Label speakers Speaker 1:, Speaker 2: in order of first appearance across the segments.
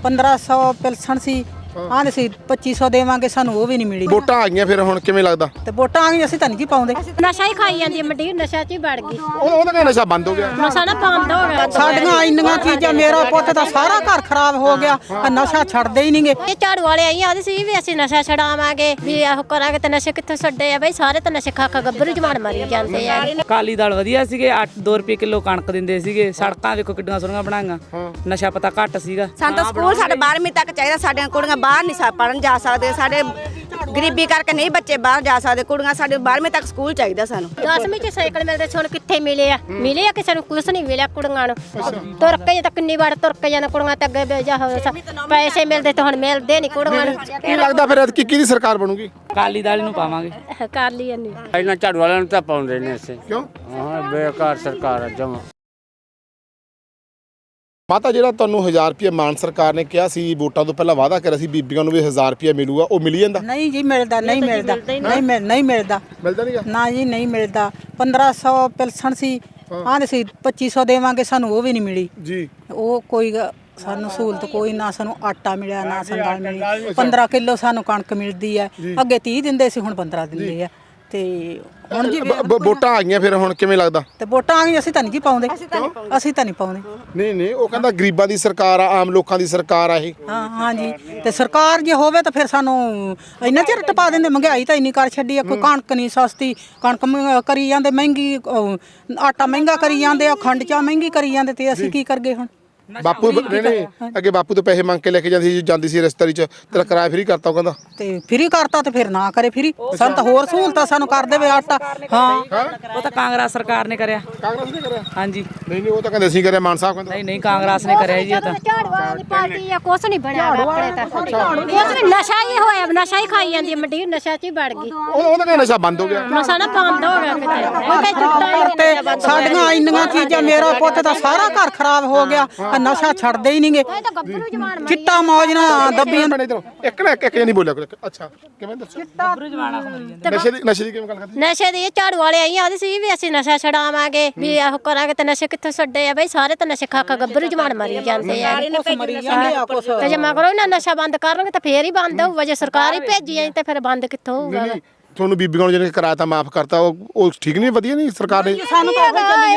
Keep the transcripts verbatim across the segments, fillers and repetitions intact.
Speaker 1: पंद्रह सौ पेंशन सी हाँ सी पच्ची सौ देवांगे सानू वो भी नहीं मिली।
Speaker 2: ਵੋਟਾਂ आ गई फिर हुण किवें लगदा?
Speaker 1: ते वोटां आ गई असीं तां नहीं जी पाउंदे।
Speaker 3: नशा ही खाई जाती है मंडी नशा च ही बढ़ गई
Speaker 2: ਉਹ ਉਹਦਾ ਕਹਿੰਦਾ ਨਸ਼ਾ ਬੰਦ ਹੋ ਗਿਆ।
Speaker 3: नशा ना बंद हो गया
Speaker 1: साडियां इंनियां चीज़ां मेरा पुੱਤ दा सारा घर खराब हो गया नशा छड्डदे ही नहीं गे।
Speaker 3: ਇਹ ਝਾੜੂ ਵਾਲੇ ਆਈ ਆਦੇ ਸੀ ਵੀ ਅਸੀਂ ਨਸ਼ਾ ਛਡਾਵਾਂਗੇ ਵੀ ਇਹੋ ਕਰਾਂਗੇ ਤੇ ਨਸ਼ੇ ਕਿੱਥੋਂ ਛੱਡੇ ਆ ਬਈ ਸਾਰੇ ਤਾਂ ਨਸ਼ੇ ਖਾ ਖਾ ਗੱਭਰੂ ਜਵਾਨ ਮਰੀ ਜਾਂਦੇ ਆ।
Speaker 4: ਅਕਾਲੀ ਦਲ ਵਧੀਆ ਸੀਗੇ ਅੱਠ ਦੋ ਰੁਪਏ ਕਿਲੋ ਕਣਕ ਦਿੰਦੇ ਸੀਗੇ ਸੜਕਾਂ ਵੇਖੋ ਕਿੱਡੀਆਂ ਸੋਹਣੀਆਂ ਬਣਾਈਆਂ ਨਸ਼ਾ ਪਤਾ ਘੱਟ ਸੀਗਾ।
Speaker 5: ਸਾਨੂੰ ਤਾਂ ਸਕੂਲ ਸਾਡੇ ਬਾਰ੍ਹਵੀਂ ਤੱਕ ਚਾਹੀਦਾ ਸਾਡੀਆਂ ਕੁੜੀਆਂ ਬਾਹਰ ਨਹੀਂ ਪੜਨ ਜਾ ਸਕਦੇ ਸਾਡੇ ਗਰੀਬੀ ਕਰਕੇ ਨਹੀਂ ਬੱਚੇ ਬਾਹਰ ਜਾ ਸਕਦੇ ਕੁੜੀਆਂ ਸਾਡੇ ਬਾਰ੍ਹਵੀਂ ਤੱਕ ਸਕੂਲ ਚਾਹੀਦਾ ਸਾਨੂੰ।
Speaker 3: ਦਸਵੀਂ ਚ ਸਾਈਕਲ ਮਿਲਦੇ ਸੀ ਹੁਣ ਕਿੱਥੇ ਮਿਲੇ ਆ ਮਿਲੇ ਆ ਕਿਸੇ ਨੂੰ ਕੁਛ ਨਹੀਂ ਮਿਲਿਆ ਕੁੜੀਆਂ ਨੂੰ ਤੁਰ ਕੇ ਤਾਂ ਕਿੰਨੀ ਵਾਰ ਤੁਰ ਕੇ ਜਾਣਾ ਕੁੜੀਆਂ ਤੇ ਅੱਗੇ ਜਾ ਪੈਸੇ ਮਿਲਦੇ ਤਾਂ ਹੁਣ ਮਿਲਦੇ ਨਹੀਂ ਕੁੜੀਆਂ ਨੂੰ।
Speaker 2: ਕੀ ਲੱਗਦਾ ਫਿਰ ਐਤਕੀ ਕਿਹਦੀ ਸਰਕਾਰ ਬਣੂਗੀ?
Speaker 4: ਅਕਾਲੀ ਦਲ ਨੂੰ ਪਾਵਾਂਗੇ।
Speaker 3: ਕਰ ਲਈ ਨਹੀਂ
Speaker 6: ਇਹਨਾਂ ਝਾੜੂ ਵਾਲਿਆਂ ਨੂੰ ਤਾਂ ਪਾਉਂਦੇ ਨੇ ਅਸੀਂ
Speaker 2: ਕਿਉਂ?
Speaker 6: ਹਾਂ ਬੇਕਾਰ ਸਰਕਾਰ ਆ ਜਮਾ।
Speaker 2: ਮਾਤਾ ਜਿਹੜਾ ਤੁਹਾਨੂੰ ਹਜ਼ਾਰ ਰੁਪਏ ਮਾਨ ਸਰਕਾਰ ਨੇ ਕਿਹਾ ਸੀ ਵੋਟਾਂ ਤੋਂ ਪਹਿਲਾਂ ਵਾਅਦਾ ਕਰਿਆ ਸੀ ਬੀਬੀਆਂ ਨੂੰ ਵੀ ਹਜ਼ਾਰ ਰੁਪਏ ਮਿਲੂਗਾ ਉਹ ਮਿਲੀ ਜਾਂਦਾ?
Speaker 1: नहीं जी मिलता नहीं मिलता नहीं मिल नहीं मिलता
Speaker 2: ਮਿਲਦਾ ਨਹੀਂਗਾ
Speaker 1: ना जी नहीं मिलता। पंद्रह सौ पेंशन सी हाँ सी पच्ची सौ देवांगे सानू वो भी नहीं मिली
Speaker 2: ਜੀ।
Speaker 1: ਉਹ ਕੋਈ ਸਾਨੂੰ ਸਹੂਲਤ ਕੋਈ ਨਾ ਸਾਨੂੰ ਆਟਾ ਮਿਲਿਆ ਨਾ ਸੰਦਾਲ ਮਿਲੀ। ਪੰਦਰਾਂ ਕਿਲੋ ਸਾਨੂੰ ਕਣਕ ਮਿਲਦੀ ਹੈ ਅੱਗੇ ਤੀਹ ਦਿੰਦੇ ਸੀ ਹੁਣ ਪੰਦਰਾਂ ਦਿੰਦੇ ਆ ਤੇ ਹੁਣ ਜੀ
Speaker 2: ਬ- ਬ- ਵੋਟਾਂ ਆ ਗਈਆਂ ਫਿਰ ਹੁਣ ਕਿਵੇਂ ਲੱਗਦਾ?
Speaker 1: ਤੇ ਵੋਟਾਂ ਆ ਗਈਆਂ ਅਸੀਂ ਤਾਂ ਨਹੀਂ ਜੀ ਪਾਉਂਦੇ ਅਸੀਂ ਤਾਂ ਨਹੀਂ ਪਾਉਂਦੇ।
Speaker 2: ਨਹੀਂ ਨਹੀਂ ਉਹ ਕਹਿੰਦਾ ਗਰੀਬਾਂ ਦੀ ਸਰਕਾਰ ਆ ਆਮ ਲੋਕਾਂ ਦੀ ਸਰਕਾਰ ਆ ਇਹ।
Speaker 1: ਹਾਂ ਹਾਂ ਜੀ ਤੇ ਸਰਕਾਰ ਜੇ ਹੋਵੇ ਤਾਂ ਫਿਰ ਸਾਨੂੰ ਇੰਨਾ ਚਿਰ ਟਪਾ ਦਿੰਦੇ। ਮਹਿੰਗਾਈ ਤਾਂ ਇੰਨੀ ਕਰ ਛੱਡੀ ਆ ਕੋਈ ਕਣਕ ਨਹੀਂ ਸਸਤੀ ਕਣਕ ਮਹਿੰਗਾ ਕਰੀ ਜਾਂਦੇ ਮਹਿੰਗੀ ਅਹ, ਆਟਾ ਮਹਿੰਗਾ ਕਰੀ ਜਾਂਦੇ ਆ ਖੰਡ ਚਾਹ ਮਹਿੰਗੀ ਕਰੀ ਜਾਂਦੇ ਤੇ ਅਸੀਂ ਕੀ ਕਰਗੇ ਹੁਣ?
Speaker 2: ਬਾਪੂ ਨਹੀਂ ਨਹੀਂ ਅੱਗੇ ਬਾਪੂ ਤੋਂ ਪੈਸੇ ਮੰਗ ਕੇ ਲੈ ਕੇ ਜਾਂਦੀ ਸੀ ਜਾਂਦੀ ਸੀ ਰਿਸ਼ਤੇਦਾਰੀ ਚ ਤੇਰਾ ਕਿਰਾਇਆ ਫਰੀ ਕਰਤਾ ਉਹ ਕਹਿੰਦਾ।
Speaker 1: ਤੇ ਫਰੀ ਕਰਤਾ ਤੇ ਫਿਰ ਨਾ ਕਰੇ ਫਰੀ ਸਾਨੂੰ ਤਾਂ ਹੋਰ ਸਹੂਲਤਾਂ ਸਾਨੂੰ ਕਰ ਦੇਵੇ ਆਟਾ। ਹਾਂ
Speaker 4: ਉਹ ਤਾਂ ਕਾਂਗਰਸ ਸਰਕਾਰ ਨੇ ਕਰਿਆ।
Speaker 2: ਕਾਂਗਰਸ ਨੇ ਕਰਿਆ?
Speaker 4: ਹਾਂਜੀ
Speaker 2: ਨਹੀਂ ਨਹੀਂ ਉਹ ਤਾਂ ਕਹਿੰਦੇ ਅਸੀਂ ਕਰਿਆ ਮਾਨ ਸਾਹਿਬ ਕਹਿੰਦਾ।
Speaker 4: ਨਹੀਂ ਨਹੀਂ ਕਾਂਗਰਸ ਨੇ ਕਰਿਆ ਜੀ। ਉਹ ਤਾਂ
Speaker 3: ਝਾੜੂ ਵਾਲੀ ਪਾਰਟੀ ਆ ਕੁਛ ਨਹੀਂ ਬਣਿਆ ਆਪਣੇ ਤਾਂ ਕੁਛ ਵੀ ਨਸ਼ਾ ਹੀ ਹੋਇਆ ਨਸ਼ਾ ਹੀ ਖਾਈ ਜਾਂਦੀ ਹੈ ਮੰਡੀ ਨਸ਼ਾ ਚ ਹੀ ਵੜ ਗਈ
Speaker 2: ਉਹ ਉਹਦਾ ਕਹਿੰਦਾ ਨਸ਼ਾ ਬੰਦ ਹੋ ਗਿਆ।
Speaker 3: ਨਸ਼ਾ ਨਾ ਬੰਦ ਹੋ ਗਿਆ ਕਿਤੇ ਉਹ ਤੇ ਟੁੱਟਾ ਹੀ
Speaker 1: ਤੇ ਸਾਡੀਆਂ ਇੰਨੀਆਂ ਚੀਜ਼ਾਂ ਮੇਰਾ ਪੁੱਤ ਦਾ ਸਾਰਾ ਘਰ ਖਰਾਬ ਹੋ ਗਿਆ ਨਸ਼ਾ ਛੱਡਦੇ ਹੀ ਨਹੀਂ ਗੇ।
Speaker 3: ਇਹ ਤਾਂ ਗੱਭਰੂ ਜਵਾਨ
Speaker 1: ਚਿੱਟਾ ਮੌਜ ਨਾਲ ਦੱਬੀਆਂ
Speaker 2: ਬਣੇ ਇਧਰੋਂ ਇੱਕ ਨਾ ਇੱਕ ਇੱਕ ਨਹੀਂ ਬੋਲਿਆ ਕੋਈ। ਅੱਛਾ ਕਿਵੇਂ ਦੱਸੋ? ਨਸ਼ੇ ਦੀ ਨਸ਼ੇ ਦੀ ਕਿਵੇਂ ਗੱਲ ਕਰਦੀ?
Speaker 3: ਨਸ਼ੇ ਦੀ ਝਾੜੂ ਵਾਲੇ ਆਈ ਆਦੇ ਸੀ ਵੀ ਅਸੀਂ ਨਸ਼ਾ ਛਡਾਵਾਂਗੇ ਵੀ ਇਹੋ ਕਰਾਂਗੇ ਤੇ ਨਸ਼ੇ ਕਿੱਥੋਂ ਛੱਡੇ ਆ ਬਈ ਸਾਰੇ ਤਾਂ ਨਸ਼ੇ ਖਾ ਖਾ ਗੱਭਰੂ ਜਵਾਨ ਮਰੀ ਜਾਂਦੇ ਆ। ਤੇ ਜੇ ਮਗਰੋਂ ਇਹਨਾਂ ਨਸ਼ਾ ਬੰਦ ਕਰਨਗੇ ਤਾਂ ਫੇਰ ਹੀ ਬੰਦ ਹੋਊਗਾ ਜੇ ਸਰਕਾਰ ਹੀ ਭੇਜੀ ਆਈ ਤੇ ਫਿਰ ਬੰਦ ਕਿੱਥੋਂ ਹੋਊਗਾ?
Speaker 2: ਤੁਹਾਨੂੰ ਬੀਬੀਆਂ ਨੂੰ ਜਿਹਨੇ ਕਿਰਾਇਆ ਤਾਂ ਮਾਫ ਕਰਤਾ ਉਹ ਉਹ ਠੀਕ ਨਹੀਂ ਵਧੀਆ ਨਹੀਂ ਸਰਕਾਰ ਨੇ?
Speaker 3: ਸਾਨੂੰ ਤਾਂ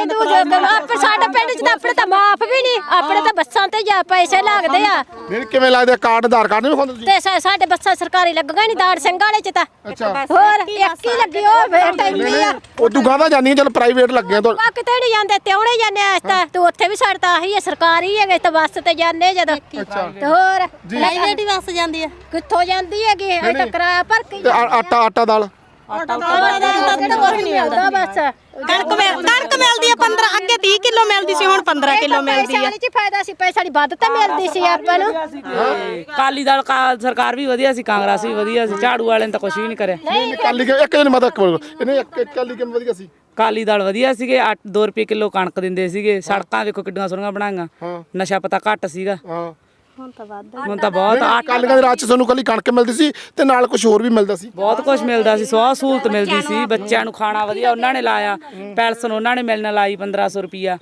Speaker 3: ਆਪਣੇ ਸਾਡੇ ਪਿੰਡ ਚ ਤਾਂ ਆਪਣੇ ਤਾਂ ਮਾਫ ਵੀ ਨਹੀਂ ਆਪਣੇ ਤਾਂ ਬੱਸਾਂ ਤੇ ਜਾ ਪੈਸੇ ਲੱਗਦੇ ਆ
Speaker 2: ਨਹੀਂ ਕਿਵੇਂ ਲੱਗਦਾ ਕਾਰਡ ਆਧਾਰ ਕਾਰਡ ਨਹੀਂ ਵਿਖਾਉਂਦੇ ਤੁਸੀਂ?
Speaker 3: ਤੇ ਸਾ- ਸਾਡੇ ਬੱਸਾਂ ਸਰਕਾਰੀ ਲੱਗੀਆਂ ਨਹੀਂ ਦਾੜ ਸਿੰਘ ਵਾਲੇ ਚ ਤਾਂ
Speaker 2: ਅੱਛਾ
Speaker 3: ਹੋਰ ਇੱਕ ਹੀ ਲੱਗੀ ਉਹ ਵੇਟ ਇੰਨੀ ਆ
Speaker 2: ਉਹ ਤੂੰ ਗਾਂਦਾ ਜਾਂਦੀ ਚਲ ਪ੍ਰਾਈਵੇਟ ਲੱਗੇ ਤੋਂ
Speaker 3: ਆ ਕਿਤੇ ਨਹੀਂ ਜਾਂਦੇ ਤੇ ਉਹਨੇ ਜਾਂਦੇ ਆ ਤਾਂ ਤੂੰ ਉੱਥੇ ਵੀ ਸਾਡੇ ਤਾਂ ਆਹੀ ਹੈ ਸਰਕਾਰੀ ਹੈਗੇ ਤਾਂ ਬੱਸ ਤੇ ਜਾਂਦੇ ਜਦੋਂ ਤੇ ਹੋਰ ਪ੍ਰਾਈਵੇਟ ਹੀ ਬੱਸ ਜਾਂਦੀ ਆ ਕਿੱਥੋਂ ਜਾਂਦੀ ਹੈਗੀ ਇਹ ਤਾਂ ਕਿਰਾਇਆ ਭਰ ਕੇ
Speaker 2: ਤੇ ਆ- ਆਟਾ ਆਟਾ ਦਾਲ
Speaker 3: ਆਟਾ ਕੁਝ ਨਹੀਂ ਮਿਲਦਾ ਬਸ
Speaker 5: ਕਣਕ ਮਿਲ ਕਣਕ ਮਿਲਦੀ ਆ ਪੰਦਰਾਂ ਅੱਗੇ ਤੀਹ ਕਿਲੋ ਮਿਲਦੀ ਸੀ ਹੁਣ ਪੰਦਰਾਂ ਕਿਲੋ ਮਿਲਦੀ ਆ।
Speaker 3: ਪੈਸੇ ਚ ਫਾਇਦਾ ਸੀ ਪੈਸਾ ਦੀ ਵੱਧ ਤਾਂ ਮਿਲਦੀ ਸੀ ਆਪਾਂ ਨੂੰ।
Speaker 4: ਅਕਾਲੀ ਦਲ ਕਾ- ਸਰਕਾਰ ਵੀ ਵਧੀਆ ਸੀ ਕਾਂਗਰਸ ਵੀ ਵਧੀਆ ਸੀ ਝਾੜੂ ਵਾਲਿਆਂ ਨੇ ਤਾਂ ਕੁਝ ਵੀ ਨਹੀਂ ਕਰਿਆ।
Speaker 2: ਨਹੀਂ ਕਾਲੀ ਕਿ ਇੱਕ ਦਿਨ ਮਤ ਇਹਨੇ ਇੱਕ ਇੱਕ ਕਾਲੀ ਕਿਵੇਂ ਵਧੀਆ ਸੀ?
Speaker 4: ਅਕਾਲੀ ਦਲ ਵਧੀਆ ਸੀਗੇ ਅੱਠ ਦੋ ਰੁਪਏ ਕਿਲੋ ਕਣਕ ਦਿੰਦੇ ਸੀਗੇ ਸੜਕਾਂ ਵੇਖੋ ਕਿੱਡੀਆਂ ਸੋਹਣੀਆਂ ਬਣਾਈਆਂ ਨਸ਼ਾ ਪਤਾ ਘੱਟ ਸੀਗਾ।
Speaker 2: ਹਾਂ
Speaker 4: ਹੁਣ ਤਾਂ ਬਹੁਤ
Speaker 2: ਕਾਲੀਆਂ ਦੇ ਰਾਜ ਚ ਤੁਹਾਨੂੰ ਕੱਲੀ ਕਣਕ ਮਿਲਦੀ ਸੀ ਤੇ ਨਾਲ ਕੁਝ ਹੋਰ ਵੀ ਮਿਲਦਾ ਸੀ।
Speaker 4: ਬਹੁਤ ਕੁਝ ਮਿਲਦਾ ਸੀ ਸਵਾਹ ਸਹੂਲਤ ਮਿਲਦੀ ਸੀ ਬੱਚਿਆਂ ਨੂੰ ਖਾਣਾ ਵਧੀਆ ਉਹਨਾਂ ਨੇ ਲਾਇਆ ਪੈਨਸ਼ਨ ਉਹਨਾਂ ਨੇ ਮਿਲਣ ਲਾਈ ਪੰਦਰਾਂ ਸੌ ਰੁਪਿਆ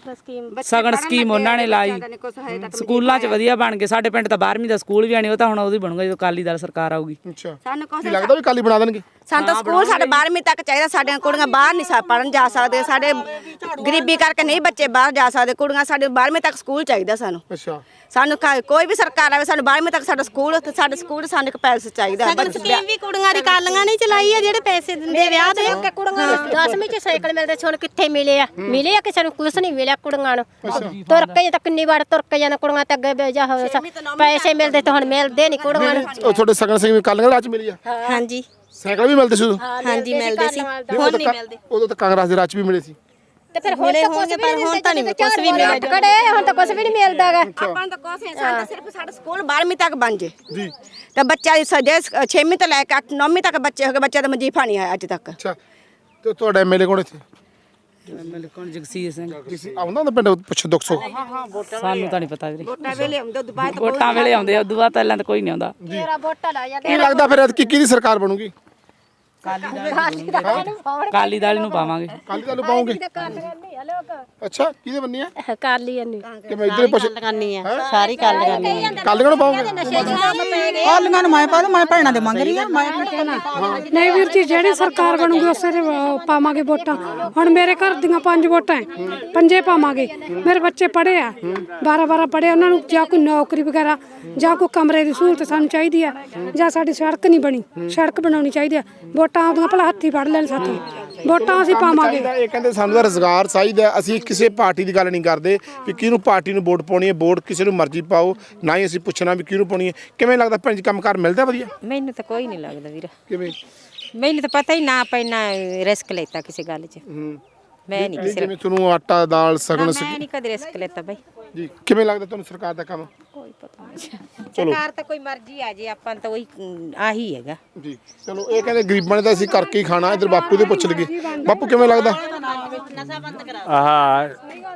Speaker 4: ਸਗਨ ਸਕੀਮ ਉਹਨਾਂ ਨੇ ਲਾਈ ਸਕੂਲਾਂ 'ਚ ਵਧੀਆ ਬਣ ਗਏ ਸਾਡੇ ਪਿੰਡ ਤਾਂ ਬਾਰ੍ਹਵੀਂ ਦਾ ਸਕੂਲ ਵੀ ਆਣੀ ਉਹ ਤਾਂ ਹੁਣ ਉਹਦੀ ਬਣੂਗਾ ਜਦੋਂ ਅਕਾਲੀ ਦਲ ਸਰਕਾਰ ਆਊਗੀ।
Speaker 2: ਅੱਛਾ
Speaker 5: ਸਾਨੂੰ ਕੁਛ
Speaker 2: ਕੀ ਲੱਗਦਾ ਵੀ ਕਾਲੀ ਬਣਾ ਦੇਣਗੇ?
Speaker 5: ਸਾਨੂੰ ਤਾਂ ਸਕੂਲ ਸਾਡੇ ਬਾਰ੍ਹਵੀਂ ਤੱਕ ਚਾਹੀਦਾ ਸਾਡੀਆਂ ਕੁੜੀਆਂ ਬਾਹਰ ਨਹੀਂ ਪੜਨ ਜਾ ਸਕਦੇ ਸਾਡੇ ਗਰੀਬੀ ਕਰਕੇ ਨਹੀਂ ਬੱਚੇ ਬਾਹਰ ਜਾ ਸਕਦੇ ਕੁੜੀਆਂ ਸਾਡੇ ਬਾਰ੍ਹਵੀਂ ਤੱਕ ਸਕੂਲ ਚਾਹੀਦਾ ਸਾਨੂੰ।
Speaker 2: ਅੱਛਾ
Speaker 5: ਸਾਨੂੰ ਕੋਈ ਵੀ ਸਰਕਾਰ ਆਵੇ ਸਾਨੂੰ ਬਾਰ੍ਹਵੀਂ ਤੱਕ ਸਾਡਾ ਸਕੂਲ ਤੇ ਸਾਡੇ ਸਕੂਲ ਸਾਨੂੰ ਇੱਕ ਪੈਲਸ ਚਾਹੀਦਾ। ਸਕੀਮ ਵੀ ਕੁੜੀਆਂ ਦੀ ਕਾਲੀਆਂ ਨਹੀਂ ਚਲਾਈ ਆ ਜਿਹੜੇ ਪੈਸੇ ਦਿੰਦੇ ਵਿਆਹ ਦੇ ਕੁੜੀਆਂ
Speaker 3: ਦਸਵੀਂ ਚ ਸਾਈਕਲ ਮਿਲਦੇ ਸੀ ਹੁਣ ਕਿੱਥੇ ਮਿਲੇ ਆ ਮਿਲੇ ਆ ਕਿਸੇ ਨੂੰ ਕੁਛ ਨਹੀਂ ਮਿਲਿਆ ਕੁੜੀਆਂ ਨੂੰ ਤੁਰ ਕੇ ਤਾਂ ਕਿੰਨੀ ਵਾਰ ਤੁਰ ਕੇ ਜਾਣਾ ਕੁੜੀਆਂ ਤੇ ਅੱਗੇ ਜਾ ਪੈਸੇ ਮਿਲਦੇ ਤਾਂ ਹੁਣ ਮਿਲਦੇ ਨਹੀਂ ਕੁੜੀਆਂ ਨੂੰ।
Speaker 2: ਉਹ ਤੁਹਾਡੇ ਸਗਨ ਸਿੰਘ ਕਾਲੀਆਂ ਦੇ ਰਾਜ ਚ ਮਿਲੀ ਆ?
Speaker 5: ਹਾਂਜੀ
Speaker 2: ਸਾਈਕਲ ਵੀ ਮਿਲਦੇ ਸੀ ਉਦੋਂ?
Speaker 5: ਹਾਂਜੀ ਮਿਲਦੇ ਸੀ
Speaker 2: ਹੁਣ ਨਹੀਂ ਮਿਲਦੇ। ਉਦੋਂ ਤਾਂ ਕਾਂਗਰਸ ਦੇ ਰਾਜ ਚ ਵੀ ਮਿਲੇ ਸੀ।
Speaker 3: ਤੇ ਫਿਰ ਹੁਣ ਤਾਂ ਕੁਛ ਵੀ ਹੁਣ ਤਾਂ ਨਹੀਂ ਕੁਛ ਵੀ ਮਿਲਦਾ ਕੜੇ ਹੁਣ ਤਾਂ ਕੁਛ ਵੀ ਨਹੀਂ ਮਿਲਦਾਗਾ।
Speaker 5: ਆਪਾਂ ਨੂੰ ਤਾਂ ਕੁਛ ਨਹੀਂ ਸਾਡਾ ਸਿਰਫ ਸਾਡਾ ਸਕੂਲ ਬਾਰ੍ਹਵੀਂ ਤੱਕ ਬਣ ਜੇ ਜੀ ਤੇ ਬੱਚਾ ਸਜੇ ਛੇਵੀਂ ਤੋਂ ਲੈ ਕੇ ਅੱਠ ਨੌਵੀਂ ਤੱਕ ਬੱਚੇ ਹੋ ਗਏ ਬੱਚਾ ਤਾਂ ਮਜੀਫਾ ਨਹੀਂ ਆਇਆ ਅੱਜ ਤੱਕ।
Speaker 2: ਅੱਛਾ ਤੇ ਤੁਹਾਡਾ ਐਮਐਲਏ ਕੋਣ ਇੱਥੇ?
Speaker 4: ਐਮਐਲਏ ਕੌਣ? ਜਗਸੀਰ ਸਿੰਘ।
Speaker 2: ਕਿਸੇ ਆਉਂਦਾ ਹੁੰਦਾ ਪਿੰਡ ਪੁੱਛ ਦੁੱਖ ਸੁੱਖ?
Speaker 4: ਸਾਨੂੰ ਤਾਂ ਨਹੀਂ ਪਤਾ ਵੀਰੇ
Speaker 5: ਵੋਟਾਂ ਵੇਲੇ ਆਉਂਦੇ ਦੁਬਾਰਾ
Speaker 4: ਵੋਟਾਂ ਵੇਲੇ ਆਉਂਦੇ ਆ ਉਦੋਂ ਬਾਅਦ ਪਹਿਲਾਂ ਤਾਂ ਕੋਈ ਨਹੀਂ ਆਉਂਦਾ।
Speaker 3: ਮੇਰਾ ਵੋਟਾਂ ਲਾ ਜਾਂਦੇ
Speaker 2: ਕੀ ਲੱਗਦਾ ਫਿਰ ਐਤਕੀ ਕਿਹਦੀ ਸਰਕਾਰ ਬਣੂਗੀ?
Speaker 4: ਅਕਾਲੀ ਦਲ ਨੂੰ ਪਾਵਾਂਗੇ।
Speaker 2: ਕਾਲੀ ਦਲ ਨੂੰ ਪਾਉਂਗੇ? ਅੱਛਾ ਕਿਹਦੇ ਬੰਨੀ ਆ
Speaker 3: ਕਰ ਲਈ ਨਹੀਂ
Speaker 2: ਕਿ ਮੈਂ ਇੱਧਰ ਪੁੱਛ
Speaker 5: ਲਗਾਨੀ ਆ ਸਾਰੀ ਗੱਲ ਲਗਾਨੀ ਆ
Speaker 2: ਕੱਲ ਨੂੰ ਪਾਉਂਗੇ
Speaker 1: ਕਾਲੀਆਂ ਨੂੰ ਮੈਂ ਪਾ ਦੂੰ ਮੈਂ ਭੈਣਾਂ ਦੇ ਮੰਗ ਰਹੀ ਆ ਮੈਂ
Speaker 7: ਨਹੀਂ ਵੀਰ ਜੀ ਜਿਹੜੀ ਸਰਕਾਰ ਬਣੂਗੀ ਉਸੇ ਦੇ ਅਹ, ਪਾਵਾਂਗੇ ਵੋਟਾਂ। ਹੁਣ ਮੇਰੇ ਘਰ ਦੀਆਂ ਪੰਜ ਵੋਟਾਂ ਹੈ, ਪੰਜੇ ਪਾਵਾਂਗੇ। ਮੇਰੇ ਬੱਚੇ ਪੜ੍ਹੇ ਆ, ਬਾਰਾਂ ਬਾਰਾਂ ਪੜ੍ਹੇ, ਉਹਨਾਂ ਨੂੰ ਜਾਂ ਕੋਈ ਨੌਕਰੀ ਵਗੈਰਾ ਜਾਂ ਕੋਈ ਕਮਰੇ ਦੀ ਸਹੂਲਤ ਸਾਨੂੰ ਚਾਹੀਦੀ ਆ, ਜਾਂ ਸਾਡੀ ਸੜਕ ਨਹੀਂ ਬਣੀ, ਸੜਕ ਬਣਾਉਣੀ ਚਾਹੀਦੀ ਆ। ਵੋਟਾਂ ਆਉਂਦੀਆਂ ਭਲਾ ਹੱਥੀ ਫੜ ਲੈਣ ਸਾਥੋਂ, ਵੋਟਾਂ ਅਸੀਂ ਪਾਵਾਂਗੇ।
Speaker 2: ਇਹ ਕਹਿੰਦੇ ਸਾਨੂੰ ਤਾਂ ਰੁਜ਼ਗਾਰ ਚਾਹੀਦਾ ਹੈ। ਅਸੀਂ ਕਿਸੇ ਪਾਰਟੀ ਦੀ ਗੱਲ ਨਹੀਂ ਕਰਦੇ ਵੀ ਕਿਹਨੂੰ ਪਾਰਟੀ ਨੂੰ ਵੋਟ ਪਾਉਣੀ ਹੈ, ਵੋਟ ਕਿਸੇ ਨੂੰ ਮਰਜ਼ੀ ਪਾਓ, ਨਾ ਹੀ ਅਸੀਂ ਪੁੱਛਣਾ ਵੀ ਕਿਹਨੂੰ ਪਾਉਣੀ ਹੈ। ਕਿਵੇਂ ਲੱਗਦਾ ਭੈਣ ਜੀ ਕੰਮਕਾਰ ਮਿਲਦਾ ਵਧੀਆ?
Speaker 8: ਮੈਨੂੰ ਤਾਂ ਕੋਈ ਨਹੀਂ ਲੱਗਦਾ ਵੀਰ,
Speaker 2: ਕਿਵੇਂ
Speaker 8: ਮੈਨੂੰ ਤਾਂ ਪਤਾ ਹੀ ਨਾ ਪੈਣਾ ਰਿਸਕ ਲੈਤਾ ਕਿਸੇ ਗੱਲ 'ਚ। ਮੈਂ ਨਹੀਂ ਕਿਸੇ
Speaker 2: ਜਿਵੇਂ ਤੁਹਾਨੂੰ ਆਟਾ ਦਾਲ ਸਗਣ
Speaker 8: ਮੈਂ ਨਹੀਂ ਕਦੇ ਰਿਸਕ ਲੈਤਾ ਬਾਈ।
Speaker 2: ਜੀ ਕਿਵੇਂ ਲੱਗਦਾ ਤੁਹਾਨੂੰ ਸਰਕਾਰ ਦਾ ਕੰਮ?
Speaker 8: ਕੋਈ ਪਤਾ ਨਹੀਂ, ਸਰਕਾਰ ਤਾਂ ਕੋਈ ਮਰਜ਼ੀ ਆ ਜੇ, ਆਪਾਂ ਤਾਂ ਉਹੀ ਅਮ, ਆਹੀ ਹੈਗਾ
Speaker 2: ਜੀ ਚਲੋ ਇਹ ਕਹਿੰਦੇ ਗਰੀਬਾਂ ਨੇ ਤਾਂ ਅਸੀਂ ਕਰਕੇ ਹੀ ਖਾਣਾ। ਇਧਰ ਬਾਪੂ ਦੇ ਪੁੱਛ ਲਈਏ, ਬਾਪੂ ਕਿਵੇਂ ਲੱਗਦਾ
Speaker 6: ਆਹ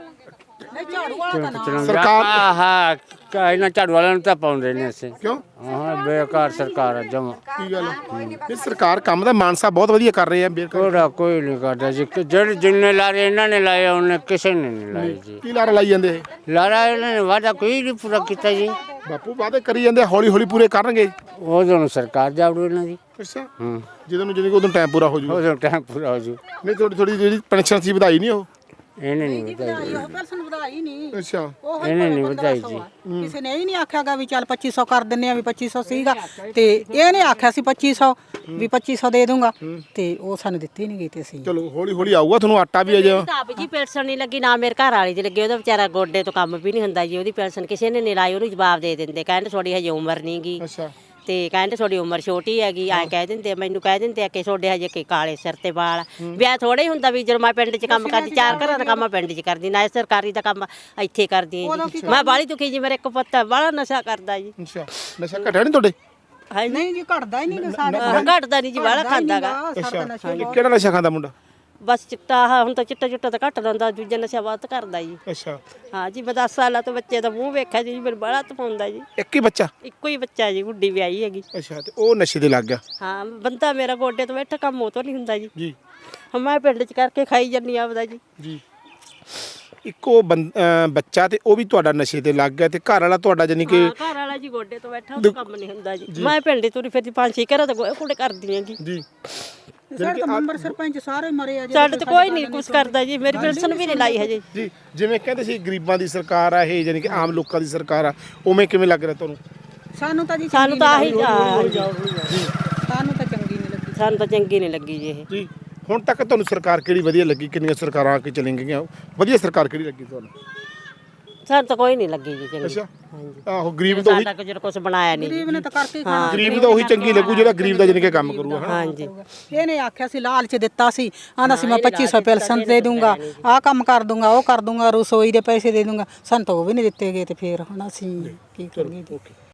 Speaker 2: ਸਰਕਾਰ
Speaker 6: ਆਹ ਇਹਨਾਂ ਝਾੜੂ ਵਾਲਿਆਂ ਨੂੰ ਤਾਂ ਪਾਉਂਦੇ ਨੇ ਅਸੀਂ।
Speaker 2: ਕਿਉਂ
Speaker 6: ਹਾਂ ਬੇਕਾਰ ਸਰਕਾਰ ਆ ਜਮਾ।
Speaker 2: ਕੀ ਗੱਲ ਇਹ ਸਰਕਾਰ ਕੰਮ ਦਾ ਮਾਨਸਾ ਬਹੁਤ ਵਧੀਆ ਕਰ ਰਹੇ ਆ ਬੇਕਾਰ।
Speaker 6: ਕੋੜਾ ਕੋਈ ਨਹੀਂ ਕਰਦਾ ਜੀ, ਕਿ ਜਿਹੜੇ ਜਿੰਨੇ ਲਾਰੇ ਇਹਨਾਂ ਨੇ ਲਾਏ ਉਹਨੇ ਕਿਸੇ ਨੇ ਨਹੀਂ ਲਾਏ ਜੀ।
Speaker 2: ਕੀ ਲਾਰਾ ਲਾਈ ਜਾਂਦੇ ਇਹ
Speaker 6: ਲਾਰਾ ਇਹਨਾਂ ਨੇ ਵਾਦਾ ਕੋਈ ਨਹੀਂ ਪੂਰਾ ਕੀਤਾ ਜੀ।
Speaker 2: ਬਾਪੂ ਵਾਅਦੇ ਕਰੀ ਜਾਂਦੇ ਹੌਲੀ ਹੌਲੀ ਪੂਰੇ ਕਰਨਗੇ।
Speaker 6: ਉਦੋਂ ਨੂੰ ਸਰਕਾਰ ਜਾਵੜੂ ਇਹਨਾਂ ਦੀ।
Speaker 2: ਅੱਛਾ
Speaker 6: ਹੂੰ
Speaker 2: ਜਦੋਂ ਨੂੰ ਜਿਹਨੇ ਉਦੋਂ ਟਾਈਮ ਪੂਰਾ ਹੋ ਜੂਗਾ।
Speaker 6: ਉਦੋਂ ਟਾਈਮ ਪੂਰਾ ਹੋ ਜੂ।
Speaker 2: ਨਹੀਂ ਥੋੜੀ ਥੋੜੀ ਜਿਹੜੀ ਪੈਨਸ਼ਨ ਸੀ ਵਧਾਈ ਨਹੀਂ ਉਹ?
Speaker 6: ਇਹਨੇ ਨਹੀਂ ਵਧਾਈ,
Speaker 1: ਪੈਨਸ਼ਨ ਵਧਾਈ ਨਹੀਂ,
Speaker 2: ਅੱਛਾ
Speaker 6: ਇਹਨੇ ਨਹੀਂ ਵਧਾਈ ਜੀ।
Speaker 1: ਕਿਸੇ ਨੇ ਇਹ ਨਹੀਂ ਆਖਿਆਗਾ ਵੀ ਚੱਲ ਪੱਚੀ ਸੌ ਕਰ ਦਿੰਨੇ ਆ, ਵੀ ਪੱਚੀ ਸੌ ਸੀਗਾ ਤੇ ਇਹਨੇ ਆਖਿਆ ਸੀ ਪੱਚੀ ਸੌ ਵੀ ਪੱਚੀ ਸੌ ਦੇ ਦੂੰਗਾ ਤੇ ਉਹ ਸਾਨੂੰ ਦਿੱਤੀ ਨਹੀਂ ਗਈ ਤੇ ਅਸੀਂ
Speaker 2: ਚਲੋ ਹੌਲੀ ਹੌਲੀ ਆਊਗਾ ਤੁਹਾਨੂੰ ਆਟਾ ਵੀ ਆ ਜਾ।
Speaker 5: ਆਪ ਜੀ ਪੈਨਸ਼ਨ ਨਹੀਂ ਲੱਗੀ, ਨਾ ਮੇਰੇ ਘਰ ਵਾਲੀ ਦੀ ਲੱਗੀ। ਉਹਦਾ ਵਿਚਾਰਾ ਗੋਡੇ ਤੋਂ ਕੰਮ ਵੀ ਨਹੀਂ ਹੁੰਦਾ ਜੀ, ਉਹਦੀ ਪੈਨਸ਼ਨ ਕਿਸੇ ਨੇ ਨਹੀਂ ਲਾਈ। ਉਹਨੂੰ ਜਵਾਬ ਦੇ ਦਿੰਦੇ, ਕਹਿੰਦੇ ਤੁਹਾਡੀ ਹਜੇ ਉਮਰ ਨਹੀਂ ਗੀ
Speaker 2: ਅੱਛਾ
Speaker 5: ਤੇ ਕਹਿੰਦੇ ਤੁਹਾਡੀ ਉਮਰ ਛੋਟੀ ਹੈਗੀ। ਐਂ ਕਹਿ ਦਿੰਦੇ, ਮੈਨੂੰ ਕਹਿ ਦਿੰਦੇ ਆ ਕਿ ਤੁਹਾਡੇ ਹਜੇ ਕਿ ਕਾਲੇ ਸਿਰ ਤੇ ਵਾਲ। ਵਿਆਹ ਥੋੜਾ ਹੀ ਹੁੰਦਾ ਵੀ ਜਦੋਂ ਮੈਂ ਪਿੰਡ 'ਚ ਕੰਮ ਕਰਦੀ, ਚਾਰ ਘਰਾਂ ਦਾ ਕੰਮ ਮੈਂ ਪਿੰਡ 'ਚ ਕਰਦੀ, ਨਾ ਸਰਕਾਰੀ ਦਾ ਕੰਮ ਇੱਥੇ ਕਰਦੀ ਹਾਂ ਜੀ। ਮੈਂ ਬਾਹਲੀ ਦੁਖੀ ਜੀ, ਮੇਰੇ ਇੱਕ ਪੁੱਤ ਬੜਾ ਨਸ਼ਾ ਕਰਦਾ ਜੀ।
Speaker 2: ਅੱਛਾ ਨਸ਼ਾ ਘਟਿਆ ਨਹੀਂ ਤੁਹਾਡੇ?
Speaker 5: ਹਾਂ
Speaker 1: ਨਹੀਂ ਜੀ ਘਟਦਾ ਹੀ ਨਹੀਂ ਸਾਡੇ
Speaker 5: ਘਟਦਾ ਨਹੀਂ ਜੀ, ਬਾਹਲਾ ਖਾਂਦਾਗਾ।
Speaker 2: ਅੱਛਾ ਇਹ ਕਿਹੜਾ ਨਸ਼ਾ ਖਾਂਦਾ ਮੁੰਡਾ?
Speaker 5: ਬਸ ਚਿੱਟਾ ਆਹ ਹੁਣ ਤਾਂ ਚਿੱਟਾ ਚੁੱਟਾ ਤਾਂ ਘੱਟ ਲੈਂਦਾ, ਦੂਜਾ ਨਸ਼ਾ ਵੱਧ ਕਰਦਾ ਜੀ।
Speaker 2: ਅੱਛਾ
Speaker 5: ਹਾਂ ਜੀ, ਮੈਂ ਦਸ ਸਾਲਾਂ ਤੋਂ ਬੱਚੇ ਦਾ ਮੂੰਹ ਵੇਖਿਆ ਜੀ, ਮੈਨੂੰ ਬੜਾ ਤਪਾਉਂਦਾ ਜੀ।
Speaker 2: ਇੱਕ ਹੀ ਬੱਚਾ?
Speaker 5: ਇੱਕੋ ਹੀ ਬੱਚਾ ਜੀ, ਗੁੱਡੀ ਵਿਆਹੀ ਹੈਗੀ।
Speaker 2: ਅੱਛਾ ਤੇ ਉਹ ਨਸ਼ੇ ਦੇ ਲੱਗ ਗਿਆ?
Speaker 5: ਹਾਂ ਬੰਦਾ ਮੇਰਾ ਗੋਡੇ ਤੋਂ ਬੈਠਾ ਕੰਮ ਉਹ ਤੋਂ ਨਹੀਂ ਹੁੰਦਾ ਜੀ।
Speaker 2: ਜੀ
Speaker 5: ਹਾਂ ਮੈਂ ਪਿੰਡ 'ਚ ਕਰਕੇ ਖਾਈ ਜੰਨੀ ਆਪਦਾ ਜੀ।
Speaker 2: ਜੀ ਇੱਕੋ ਬੰ- ਅਹ ਬੱਚਾ ਤੇ ਉਹ ਵੀ ਤੁਹਾਡਾ ਨਸ਼ੇ ਤੇ ਲੱਗ ਗਿਆ ਤੇ ਘਰ ਵਾਲਾ ਤੁਹਾਡਾ ਜਾਨੀ ਕਿ?
Speaker 5: ਹਾਂ ਘਰ ਵਾਲਾ ਜੀ ਗੋਡੇ ਤੋਂ ਬੈਠਾ, ਉਹ ਕੰਮ ਨਹੀਂ ਹੁੰਦਾ ਜੀ। ਮੈਂ ਪਿੰਡ 'ਚ ਤੁਰੀ ਫਿਰਦੀ, ਪੰਜ ਛੇ ਘਰਾਂ ਤੋਂ ਕੁੜੇ ਕਰਦੀ ਆਂ ਜੀ।
Speaker 2: ਜੀ
Speaker 1: ਸਾਡੇ ਤਾਂ ਮੈਂਬਰ ਸਰਪੰਚ ਸਾਰੇ ਮਰੇ ਆ ਜੀ।
Speaker 5: ਸਾਡੇ ਤੇ ਕੋਈ ਨਹੀਂ ਕੁਛ ਕਰਦਾ ਜੀ, ਮੇਰੀ ਪੈਨਸ਼ਨ ਵੀ ਨਹੀਂ ਲਾਈ ਹਜੇ।
Speaker 2: ਜੀ ਜਿਵੇਂ ਕਹਿੰਦੇ ਸੀ ਗਰੀਬਾਂ ਦੀ ਸਰਕਾਰ ਆ ਇਹ, ਜਾਨੀ ਕਿ ਆਮ ਲੋਕਾਂ ਦੀ ਸਰਕਾਰ ਆ, ਉਵੇਂ ਕਿਵੇਂ ਲੱਗ ਰਿਹਾ ਤੁਹਾਨੂੰ?
Speaker 1: ਸਾਨੂੰ ਤਾਂ ਜੀ
Speaker 5: ਸਾਨੂੰ ਤਾਂ ਆਹੀ
Speaker 1: ਸਾਨੂੰ ਤਾਂ ਚੰਗੀ ਨਹੀਂ ਲੱਗੀ।
Speaker 5: ਸਾਨੂੰ ਤਾਂ ਚੰਗੀ ਨਹੀਂ ਲੱਗੀ ਜੀ ਇਹ।
Speaker 2: ਜੀ ਹੁਣ ਤੱਕ ਤੁਹਾਨੂੰ ਸਰਕਾਰ ਕਿਹੜੀ ਵਧੀਆ ਲੱਗੀ? ਕਿੰਨੀਆਂ ਸਰਕਾਰਾਂ ਆ ਕੇ ਚਲੀਆਂ ਗਈਆਂ, ਵਧੀਆ ਸਰਕਾਰ ਕਿਹੜੀ ਲੱਗੀ ਤੁਹਾਨੂੰ?
Speaker 5: ਸਾਨੂੰ ਤਾਂ ਕੋਈ ਨਹੀਂ ਲੱਗੀ ਜੀ ਚੰਗੀ।
Speaker 2: ਅੱਛਾ ਆਹੋ ਗਰੀਬ ਤਾਂ ਉਹੀ
Speaker 5: ਸਾਡਾ ਕੁਝ ਕੁਛ ਬਣਾਇਆ ਨਹੀਂ ਜੀ।
Speaker 1: ਗਰੀਬ ਨੇ ਤਾਂ ਕਰਕੇ ਖਾਣਾ।
Speaker 2: ਗਰੀਬ ਤਾਂ ਉਹੀ ਚੰਗੀ ਲੱਗੂ ਜਿਹੜਾ ਗਰੀਬ ਦਾ ਜਾਨੀ ਕਿ ਕੰਮ ਕਰੂਗਾ।
Speaker 5: ਹਾਂਜੀ
Speaker 1: ਇਹਨੇ ਆਖਿਆ ਸੀ ਲਾਲਚ ਦਿੱਤਾ ਸੀ, ਆਂਦਾ ਸੀ ਮੈਂ ਪੱਚੀ ਸੌ ਪੈਨਸ਼ਨ ਦੇ ਦੂੰਗਾ, ਆਹ ਕੰਮ ਕਰ ਦੂੰਗਾ, ਉਹ ਕਰ ਦੂੰਗਾ, ਰਸੋਈ ਦੇ ਪੈਸੇ ਦੇ ਦੂੰਗਾ। ਸਾਨੂੰ ਤਾਂ ਉਹ ਵੀ ਨਹੀਂ ਦਿੱਤੇ ਗਏ ਤੇ ਫੇਰ ਹੁਣ ਅਸੀਂ ਕੀ ਕਰੀਏ ਜੀ।